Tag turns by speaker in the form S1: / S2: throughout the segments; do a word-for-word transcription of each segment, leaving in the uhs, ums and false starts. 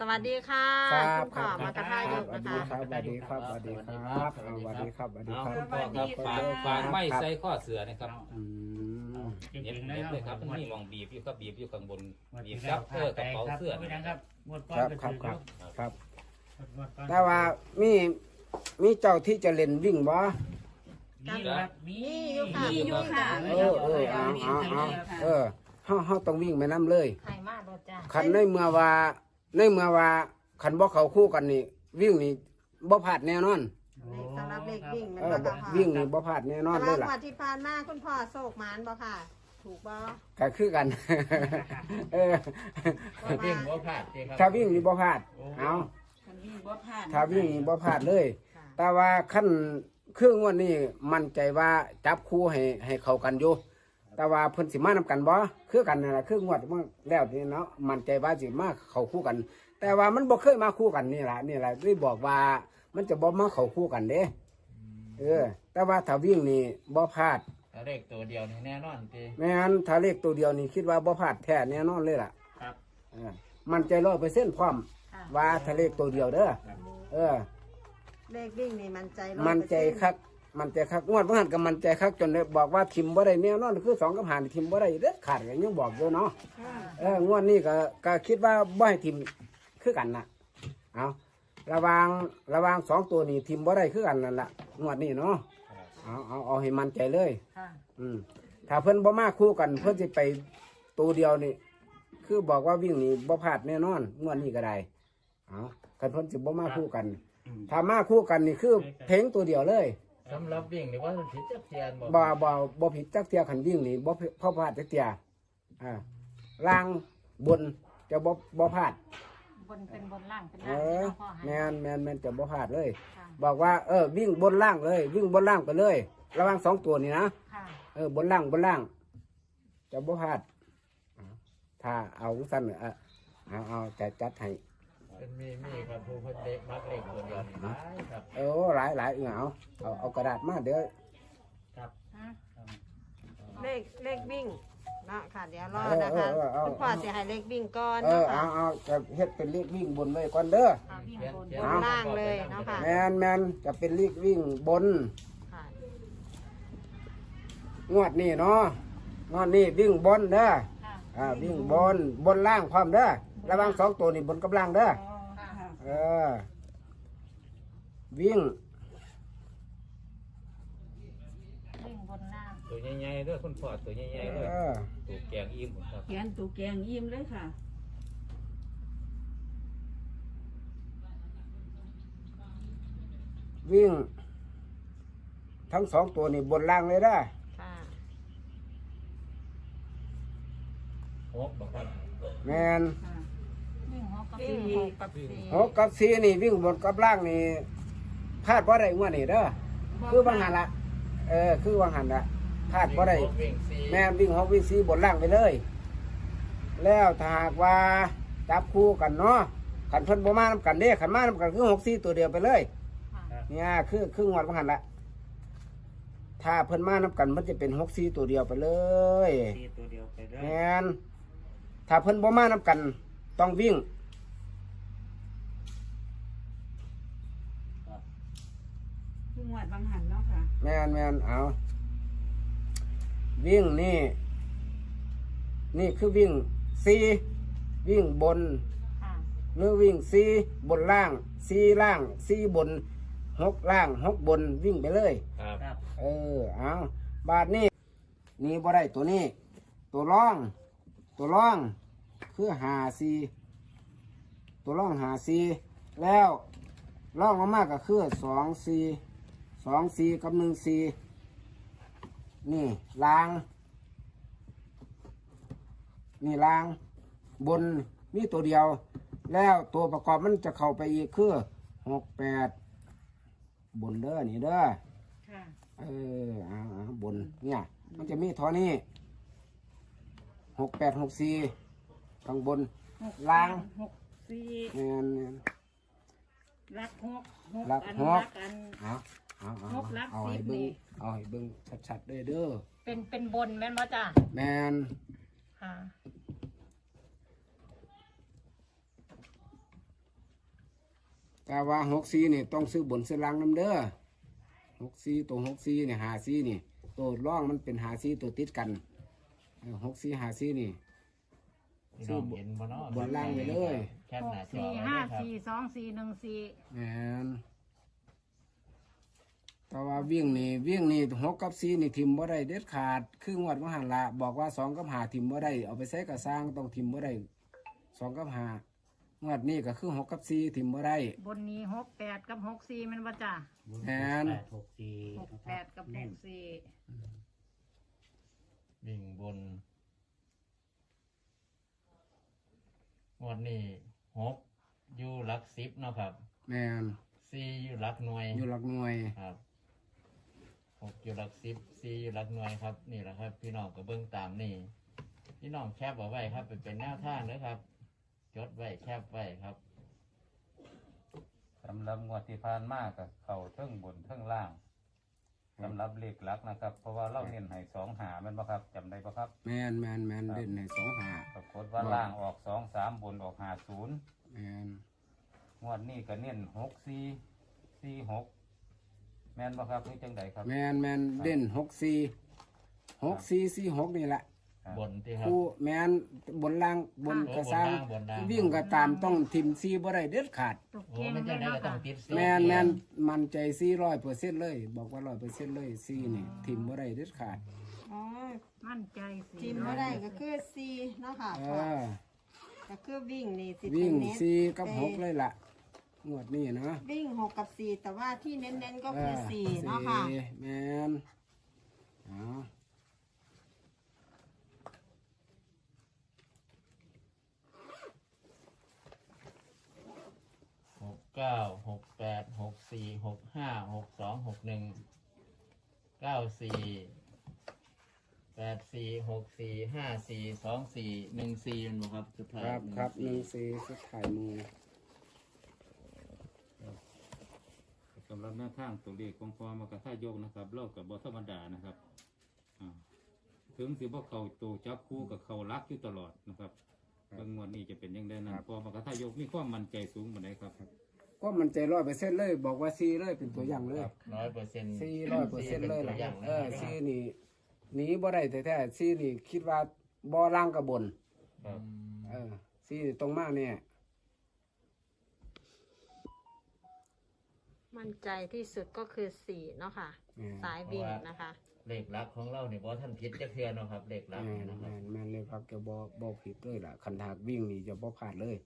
S1: วัสดีค่ะ
S2: ครับ
S1: คุณพ่อมากระทายก
S2: สวั
S1: นะ
S2: สดี
S1: คะ
S2: ครับสวัสดีครับสวัสดีครับสวัสดีครับสวัสดีครับ
S3: เอาคุณพ่อครับฝากฝากไม่ใส่ข้อเสือนะครับ
S2: อืม
S3: เน็บเน็บเลยครับมันมีมองบีบอยู่ก็บีบอยู่ข้างบนบีบครับเพื่อกระเป๋าเสื้อ
S4: ครับงวดก้อ
S2: คน รับ
S4: ก็
S2: ครับ
S4: ถือ
S2: ครับครับ
S4: งวดก้อน
S2: แต่ว่ามีมีเจ้าที่จะเล่นวิ่งบ่
S4: มีครับมี
S1: มีอยู่ค่ะ
S2: เออเออเอาเอาเอาเออเฮาเฮาต้องวิ่งไปนํเลย
S1: ไข่มากรถจ้า
S2: คันในเมื่อว่าในเมื่อว่าคันบ่เข้าคู่กันนี่วิ่งนี่บ่พลาดแน่นอน
S1: เลขสำหรับเลขวิ่งมัน
S2: เออ
S1: ก็
S2: บ่
S1: ค่ะ
S2: วิ่งนี่บ่พลาดแน่นอน
S1: สำห
S2: เล
S1: รั
S2: ย
S1: บ
S2: ล่ะ
S1: วันที่ผ่านมาคุณพ่อโศกหมานบ่ค่ะ ถูกบ่
S2: ก็คือกัน เออ
S4: วิ่งบ่พลาดสิครับ
S2: ถ้าวิ่งนี่บ่พลาดเอา
S5: คันวิ่งบ่พลาด
S2: ถ้าวิ่งนี่บ่พลาดเลย
S1: ค่ะ
S2: แต่ว่าขั้นเครื่องวันนี้มั่นใจว่าจับคู่ให้ให้เข้ากันอยู่แต่ว่าเพิ่นสิมานำกันบ่คือกันนั่นล่ะคืองวดมันแล้วนี่เนาะมั่นใจว่าสิมาเข้าคู่กัน แต่ว่ามันบ่เคยมาคู่กันนี่ล่ะนี่ล่ะได้บอกว่ามันจะบ่มาเข้าคู่กันเด้เออ แต่ว่าถ้าวิ่งนี่บ่พลาด
S4: เอาเลขตัวเดียวนี่แน่นอนสิ
S2: แม่นถ้าเลขตัวเดียวนี่คิดว่าบ่พลาดแท้แน่นอนเลยล่ะ
S4: ครับ
S2: เออมั่นใจร้อยเปอร์เซ็นต์พร้อมว่าถ้าเลขตัวเดียวเด้อเออ
S1: เลขวิ่งนี่มันใจร้อย
S2: มันใจคัก มันใจคักงวดเมื่อหันกับมันใจคักจนได้บอกว่าทิมบ่ได้แน่นอนคือสองกับหานทิมบ่ได้เด็ดขาดก็ยังบอกอยู่เนาะ
S1: ค่ะ
S2: เอองวดนี้ก็ก็คิดว่าบ่ให้ทิมคือกันน่ะเอาระวังระวังสองตัวนี้ทิมบ่ได้คือกันนั่นล่ะงวดนี้เนาะเอาเอาเอาให้มันใจเลย
S1: ค่ะ
S2: อืมถ้าเพิ่นบ่มาคู่กัน เพิ่นสิไปตัวเดียวนี่คือบอกว่าวิ่งนี่บ่พลาดแน่นอนงวดนี้ก็ได้เอาคันเพิ่นสิบ่มาคู่กัน ถ้ามาคู่กันนี่คือเพลงตัวเดียวเลย
S4: สำหรับวิ่งนี่ว่ามันผิดจักเทียนบ่
S2: บ่บ่บ่ผิดจักเทียขันวิ่งนี่บ่เพราะพลาดจักเทียอ่าล่างบนจะบ่บ่พลาด
S5: บนเป็นบนล่างเป็น
S2: เอ
S5: ล่าง
S2: อ
S5: เนาะพ่อ
S2: แม
S5: ให้
S2: นแมนแมนจะบ่พลาดเลย
S5: ค่ะ
S2: บอกว่าเออวิ่งบนล่างเลย วิ่งบนล่างไปเลย ระหวังสองตัวนี่นะ
S5: ค่ะ
S2: เออบนล่างบนล่าง จะบ่พลาดอ่าถ้าเอาสั้นเออเอาเอาจะจัดให้
S4: เป็นมีมีครับผู้เพิ่นเด็กมักเลขตัวเดียวนี่หลายครับ
S2: เออหลายหลายเออเอาเอาเอากระดาษมาเดี๋ยว
S4: ครับ
S5: ฮะ
S1: เลขเลขวิ่งเนาะค่ะเดี๋ยวรอ
S2: เออ
S1: นะ
S2: เอ
S1: คะ
S2: อเออเอา
S1: คุณพ่อสิให้เลขวิ่งก่อน
S2: เออ
S1: เนาะ
S2: เอา
S1: ค่ะ
S2: เอาจะเฮ็ดเป็นเลขวิ่งบนไว้ก่อนเด้อ
S5: เอาวิ่งบน
S4: เขียน
S1: บนล่างเลยเนาะค่ะ
S2: แมนแมนจะเป็นเลขวิ่งบน
S1: ค่ะ
S2: งวดนี้เนาะงวดนี้วิ่งบนเด้อ
S5: ค่ะ
S2: อ่าวิ่งบนบนล่างพร้อมเด้อระหวังสองตัวนี่บนกับล่างเด้อ
S5: อ๋อค่ะ
S2: เออวิ่ง
S5: วิ่งบนล่าง
S3: ตัวใหญ่ๆเด้อคุณพ่อตัวใหญ่
S2: เอ
S3: ๆเลย
S2: อ
S3: ตัวแกงอิ่มครับ
S5: เขียนตูแกงยิ้มเลยค่ะ
S2: วิ่ง ทั้งสองตัวนี่บนล่างเลยเด้อ
S1: ค่ะ
S4: หกบ่ครับ
S2: แมน
S5: ค่ะวิ่งหกกับ
S1: วิ่ง
S5: สี่
S1: หกกับสี่
S2: หกกับสี่นี่วิ่งบนกับล่างนี่พลาดบ่ได้งวดนี่เด้อคือบางหันละเออคือบางหันละพลาดบ่ได้
S4: วิ่งสี่
S2: แม่นวิ่งหกวิ่งสี่บนล่างไปเลย แล้วถ้าหากว่าจับคู่กันเนาะขันเพิ่นบ่มานำกันเด้ขันมานำกันคือหกสี่ตัวเดียวไปเลย
S5: ค่ะ
S2: เนี่ยคือคืองวดว่าหันละถ้าเพิ่นมานำกันมันจะเป็นหกสี่ตัวเดียวไปเลย
S4: สี่ตัวเดียวไปเลย
S2: แม่นถ้าเพิ่นบ่มานำกันต้องวิ่ง
S5: คืองวดบางหันเนาะค่ะ
S2: แม่นแม่นเอาวิ่งนี่ นี่คือวิ่งสี่วิ่งบน
S5: ค่ะ
S2: หรือวิ่งสี่บนล่างสี่ล่างสี่บนหกล่างหกบนวิ่งไปเลย
S3: ครับ
S4: ครับ
S2: เออเอาบาทนี้นี่บ่ได้ตัวนี้ ตัวร่อง ตัวร่อง คือหาสี่ตัวร่องหาสี่แล้วร่องมากๆก็คือสองสี่สองสี่กับหนึ่งสี่นี่ล่าง นี่ล่าง บนมีตัวเดียว แล้วตัวประกอบมันจะเข้าไปอีกคือหกแปดบนเด้อนี่เด้อ
S5: ค่ะ
S2: เออเอาเอาบนเนี่ยมันจะมีเท่านี้หกแปดหกสี่ข้างบน
S5: หก
S2: ล่าง
S5: หกสี่
S2: แม่นแม่น
S5: รักหกหก
S2: รัก
S5: อัน
S2: หก
S5: รักอัน
S2: เอาเอาเอา
S5: หกลัก
S2: เอา
S5: สิ
S2: ให้
S5: บ
S2: เบิ้ง
S5: นี่
S2: เอาให้เบิ้งชัดๆเลยเด้อ
S1: เป็นเป็นบนแม่นบ่จ้า
S2: แมน
S1: ค่ะ
S2: แต่ว่าหกสี่นี่ต้องซื้อบนซื้อล่างน้ำเด้อหกสี่ตัวหกสี่นี่หาสี่นี่ตัวร่องมันเป็นหาสี่ตัวติดกันเออหกสี่หาสี่นี่
S4: พี่น้องเห็นบ่เนาะ
S2: บนล่างไปเลย
S4: แคป
S5: ห
S4: ห
S5: ก
S4: น้าจอ
S5: สี่
S4: ไว้
S5: ห้า
S4: เลยครับ
S5: สี่สองสี่หนึ่งสี่
S2: แมนแต่ว่าวิ่งนี่วิ่งนี่หกกับสี่นี่ทิมบ่ได้เด็ดขาดคืองวดมหันละบอกว่าสองกับหาทิมบ่ได้เอาไปใส่กระสร้างต้องทิมบ่ได้สองกับหางวดนี้ก็คือหกกับสี่ทิมบ่ได้
S5: บนนี้หกแปดกับหกสี่มันว่าจ้ะ
S2: แมน
S6: แปดหกสี่
S5: หกแปดกับหกสี่
S4: วิ่งบนงวดนี้หกอยู่หลักสิบเนาะครับ
S2: แมน
S4: สี่อยู่หลักหน่วย
S2: อยู่หลักหน่วย
S4: ครับหกอยู่หลักสิบสี่อยู่หลักหน่วยครับ นี่แหละครับ พี่น้องก็เบิ่งตามนี่พี่น้องแคปเอาไว้ครับเป็นเป็นแนวทางเลยครับ จดไว้แคปไว้ครับ
S3: สำหรับงวดที่ผ่านมากับเขาเทิงบนเทิงล่างสำหรับเลขหลักนะครับ เพราะว่าเราเน้นให้สองหาแมันบ่ครับจำได้บ่ครับ
S2: แมนแมนแมนเด่นในสองหา
S3: ปรากฏว่าล่างออกสองสามบนออกหาศูนย์
S2: แมน
S3: งวดนี้ก็เน้นหกสี่สี่หกแม่นบ่ครับนี่จังใดครับ
S2: แมนแมนเด่นหกสี่หกสี่สี่หกนี่แหละ
S4: บนที่ครับ
S2: คู่แมนบนล่างบน
S4: โอ้
S2: กระซัง
S4: บนล่างบนล่าง
S2: วิ่งก็ตามต้องทิมซีบ่ได้เด็ดขาด
S5: ตุก
S4: โอ้
S5: เก่ง
S4: มัน
S5: เล
S4: จะ
S5: ย
S4: ได้
S5: เนาะ
S4: ก็ต้อ
S5: ค่ะ
S4: งติด
S2: แมนแมนมันใจซีร้อยเปอร์เซ็นต์เลย บอกว่าร้อยเปอร์เซ็นต์เลยซีนี่ทิมบ่ได้เด็ดขาด
S1: อ๋อ
S5: มั่นใจสี่
S1: ทีมบ่ได้ก็คือสี่เนาะค่ะ
S2: เอ
S1: พ่อ
S2: อ
S1: ก็คือวิ่งนี่สิ
S2: วิ่ง
S1: เน้น
S2: ซีกับหกเลยล่ะงวดนี้นะ
S1: วิ่งหกกับสี่แต่ว่าที่เน้นๆก็
S2: เอ
S1: คือ
S2: อ
S1: สี่เนาะค่ะ
S2: สี่แมนเอา
S4: หกเก้าหกแปดหกสี่หกห้าหกสองหกหนึ่งเก้าสี่แปดสี่หกสี่ห้าสี่สองสี่หนึ่งสี่มันบอกครับสุดท้าย
S2: ครับครับห
S4: ห
S2: นึ่
S4: นึ่
S2: ง
S4: งสี่
S2: ซีสุดท้ายมือ
S3: สำหรับหน้าทางตัวเลขของพอมากระท่ายกนะครับเล่ากับบธรรมดานะครับอ่าถึงสิบ่เขาตัวจับคู่กับเขารักอยู่ตลอดนะครับบางงวดนี้จะเป็นยังไงนั้นพอมากระท่ายกมีความมั่นใจสูงปานใดครับ
S2: ก็มันใจร้อยเปอร์เซ็นต์เลย บอกว่าซีเลยเป็นตัวอย่างเลย
S4: ร้อยเปอร์เซ็นต์
S2: ซีร้อยเปอร์เซ็นต์เลย
S4: ตัว
S2: ล่ะ
S4: อย่าง
S2: เออ
S4: นะค
S2: ซี
S4: รับ
S2: นี่หนีบ่ได้แท้ๆซีนี่คิดว่าบ่ล่างกับบน
S4: ครับ
S2: เออซีนี่ตรงมากเนี่ย
S1: มั่นใจที่สุดก็คือสี่เนาะค่ะ
S2: แม่น
S1: สายวิ่งนะคะ
S4: เลขลักของเราเนี่ยบอท่านผิดจะเทือนเนาะครับเลขลัก
S2: แม่น
S4: นะครั
S2: แม่
S4: บ
S2: นแม่นเลยครับจะบ่บ่ผิดเลยล่ะคันหากวิ่งนี่จะบ่พลาดเลย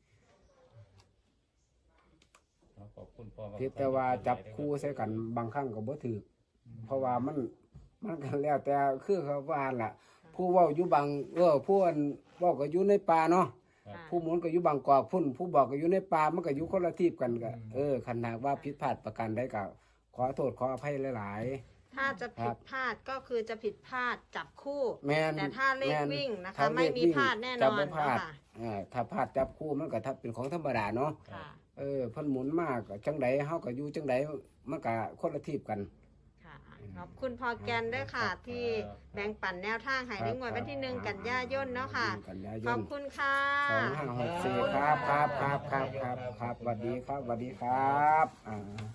S3: ขอบคุณพ่อมาก
S2: เพียงแต่ว่าจับคู่ใส่กันบางครั้งก็บ่ถูกเพราะว่ามันมันก็แล้วแต่คือเขาว่าล่ะ ผู้เว้าอยู่บางเออผู้อันเว้าก็อยู่ในป่าเนาะ
S1: ค่ะ
S2: ผู้หมุนก็อยู่บางกอกพุ่นผู้บอกก็อยู่ในป่ามันก็อยู่คนละทีบกันก็เออคันหากว่าผิดพลาดประการใดก็ขอโทษขออภัยหลาย
S1: ถ้าจะผิดพลาดก็คือจะผิดพลาดจับคู่
S2: ๆแม่น
S1: แต่ถ้าเลข
S2: แม่น
S1: วิ่งนะคะ
S2: ถ้
S1: ไม่
S2: เลข
S1: มี
S2: วิ่ง
S1: พลาดแน่น
S2: จะ
S1: อน
S2: บ่พลาด
S1: เนาะค่ะ
S2: อ่าถ้าพลาดจับคู่มันก็ถ้าเป็นของธรรมดาเนาะ
S1: ค่ะ
S2: เออเพิ่นหมุนมากก็จังใดเฮาก็อยู่จังใดมันก็คนละทีบกัน
S1: ค่ะขอบคุณพอแกนด้วยค่ะ ที่แบ่งปันแนวทางให้ในงวดวันที่หนึ่งกันยายนเนาะค่ะ
S2: กันยาย
S1: ขอน บคุณค่ะ
S2: สองห้าหกสี่ครับครับครับครับครับครับสวัสดีครับสวัสดีครับอ่า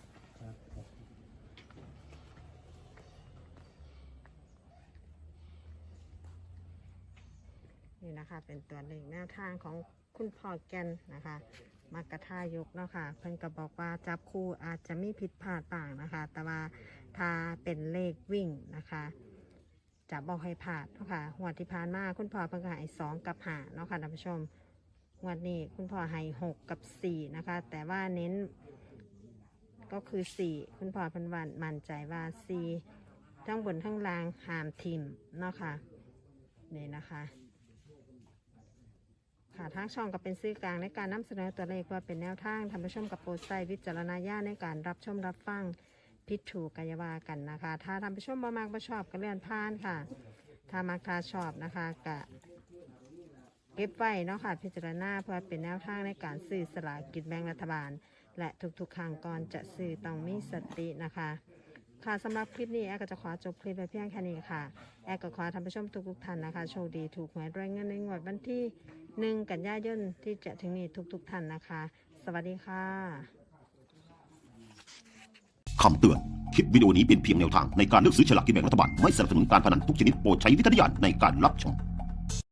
S1: นี่นะคะเป็นตัวเลขแนวทางของคุณพ่อแกนนะคะมากระทายกเนาะค่ะเพิ่นก็บอกว่าจับคู่อาจจะมีผิดพลาดต่างนะคะ แต่ว่าถ้าเป็นเลขวิ่งนะคะจะบอกให้พลาดเนาะค่ะหัวดที่ผ่านมาคุณพ่อเพิ่นก็ให้สองกับห้าเนาะค่ะท่านผู้ชมงวดนี้คุณพ่อให้หกกับสี่นะคะ แต่ว่าเน้นก็คือสี่คุณพ่อเพิ่นวันมั่นใจว่าสี่ทั้งบนทั้งล่างหามทิมเนาะค่ะนี่นะคะ ค่ะทางช่องก็เป็นสื่อกลางในการนำเสนอตัวเลขว่าเป็นแนวทางท่านผู้ชมกับโปรดใช้วิจารณญาณในการรับชมรับฟังพิดถูกกายาวากันนะคะ ถ้าท่านผู้ชมบ่มากบ่ชอบก็เลื่อนผ่านค่ะ ถ้ามักถ้าชอบนะคะก็เก็บไว้เนาะค่ะพิจารณาเพื่อเป็นแนวทางในการซื้อสลากกินแบ่งรัฐบาล และทุกๆครั้งก่อนจะซื้อต้องมีสตินะคะ ค่ะสำหรับคลิปนี้แอร์ก็จะขอจบคลิปไปเพียงแค่นี้ค่ะแอร์ก็ขอท่านผู้ชมทุกๆท่านนะคะโชคดีถูกหวยรวยเงินในงวดวันที่หนึ่งกันยายนที่จะถึงนี้ทุกๆท่านนะคะ สวัสดีค่ะ
S6: คำเตือน คลิปวิดีโอนี้เป็นเพียงแนวทางในการเลือกซื้อฉลากกินแบ่งรัฐบาล ไม่สนับสนุนการพนันทุกชนิดโปรดใช้วิจารณญาณในการรับชม